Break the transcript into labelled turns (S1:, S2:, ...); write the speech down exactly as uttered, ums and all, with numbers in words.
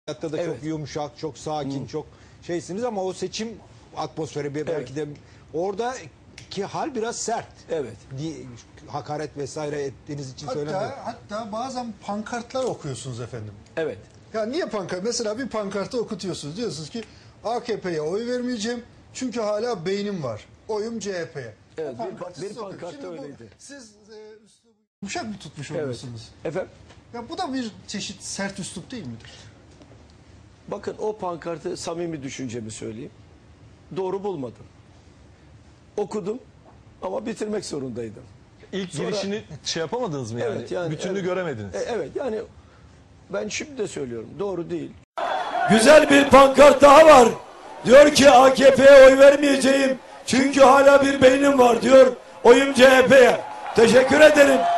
S1: Hayatta da
S2: Evet.
S1: çok yumuşak, çok sakin, çok şeysiniz ama o seçim atmosferi bir- belki de oradaki hal biraz sert.
S2: Evet.
S1: Di- Hakaret vesaire ettiğiniz için
S3: Hatta,
S1: söylemiyorum.
S3: hatta bazen pankartlar okuyorsunuz efendim.
S2: Evet.
S3: Ya niye pankart? Mesela bir pankartı okutuyorsunuz. Diyorsunuz ki A K P'ye oy vermeyeceğim çünkü hala beynim var. Oyum C H P'ye.
S2: Evet,
S3: O
S2: bir-
S3: pankartı
S2: bir
S3: siz okuyun.
S2: pankartta
S3: Şimdi bu-
S2: öyleydi.
S3: Siz e, üslubu yumuşak mı tutmuş
S2: Evet.
S3: oluyorsunuz?
S2: Efendim?
S3: Ya bu da bir çeşit sert üslup değil midir?
S2: Bakın o pankartı samimi düşüncemi söyleyeyim. Doğru bulmadım. Okudum ama bitirmek zorundaydım.
S4: İlk
S2: Sonra-
S4: girişini şey yapamadınız mı yani?
S2: Evet, yani,
S4: Bütününü
S2: evet.
S4: göremediniz.
S2: E, evet yani ben şimdi de söylüyorum. Doğru değil. Güzel bir pankart daha var. Diyor ki A K P'ye oy vermeyeceğim. Çünkü hala bir beynim var diyor. Oyum C H P'ye. Teşekkür ederim.